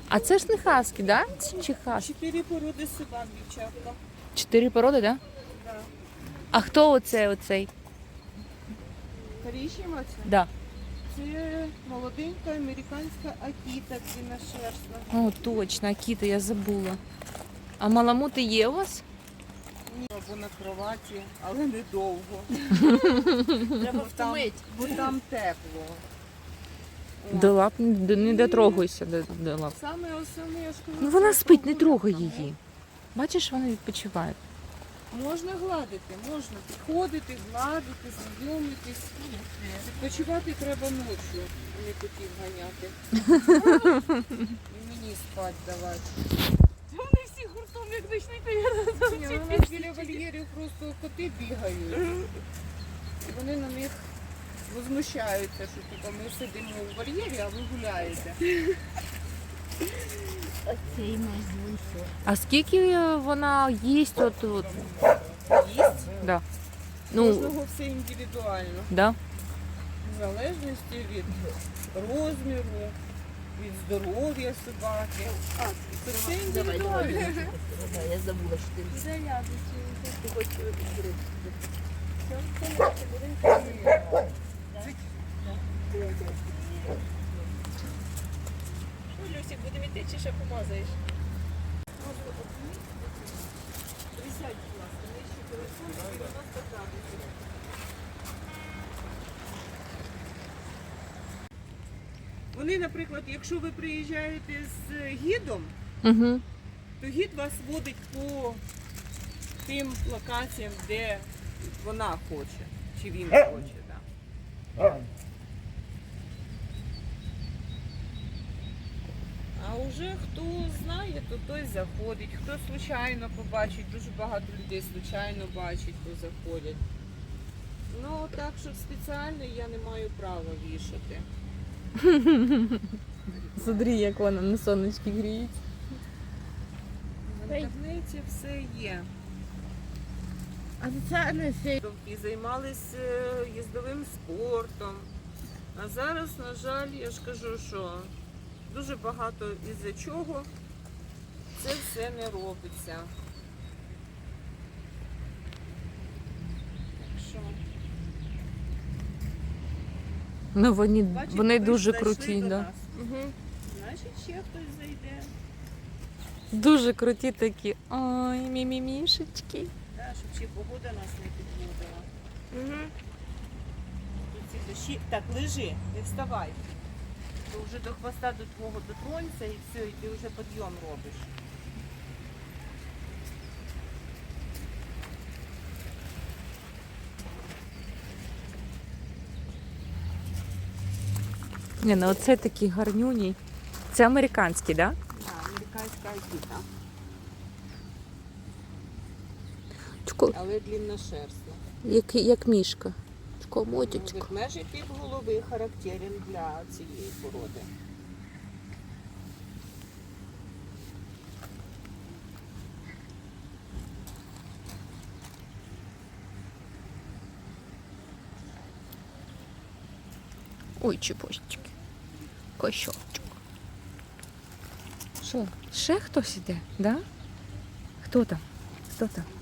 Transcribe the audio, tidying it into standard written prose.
А це ж не хаски, да? Чи хаски? 4 породи собак, дівчатка. 4 породи, да? Да. А хто оцей? Коричнева це? Да. Це молоденька американська акіта длинношерстна. О, точно, Акіта, я забула. А маламути є у вас? Ні, або на кроваті, але недовго. Треба Там, втомити. бо там тепло. О. До лап не дотрогуйся до лап. Саме основне, я ж кажу, Ну вона це спить, не прогулянка. трогай її. Бачиш, вона відпочиває. Можна гладити, можна підходити, гладити, знайомитись. Відпочивати треба ночі, а не котів ганяти. І мені спати давати. Вони всі гуртом, як почнуть, Ні, ну, у нас біля вольєрів просто коти бігають. І вони на них возмущаються, що типу, ми сидимо у вольєрі, а ви гуляєте. Цей наш звуйшов. А скільки вона їсть от? Їсть. Да. Ну, Кожного все індивідуально. да. В залежності від розміру, від здоров'я собаки. Це все індивідуально. Я забула, що ти. Ти хочеш гриб. Що, Люсік, будемо йти чи ще помазаєш? Присядь, будь ласка, нижче телефон 90 градусів. Вони, наприклад, якщо ви приїжджаєте з гідом, Угу. то гід вас водить по тим локаціям, де вона хоче, чи він хоче. Да. А вже хто знає, то той заходить. Хто случайно побачить, дуже багато людей случайно бачить, то заходять. Ну так, що спеціально я не маю права вішати. Смотри, як вона на сонечки гріється. В інтернеті все є. А це не сей. І займалися їздовим спортом. А зараз, на жаль, я ж кажу, що дуже багато із-за чого це все не робиться. Так що, Ну вони бачите, ви дуже зайшли круті, до да. нас. Значить, ще хтось зайде. Дуже круті такі. Ой, мімімішечки. Да, щоб ще погода нас не підводила. Тут ці дощі. Так, лежи, не вставай. Ти вже до хвоста до твого дотронься і все, і ти вже підйом робиш. Ні, ну оце такі гарнюні. Це американські, да? Так, американська акіта, Чко, але длинношерстна. як мішка. Чко, Ну, мотючка. ведмежий тип голови характерен для цієї породи. Ой, чепочки. Кощочок. Що? Ще хтось іде, да? Хто там? Хто там?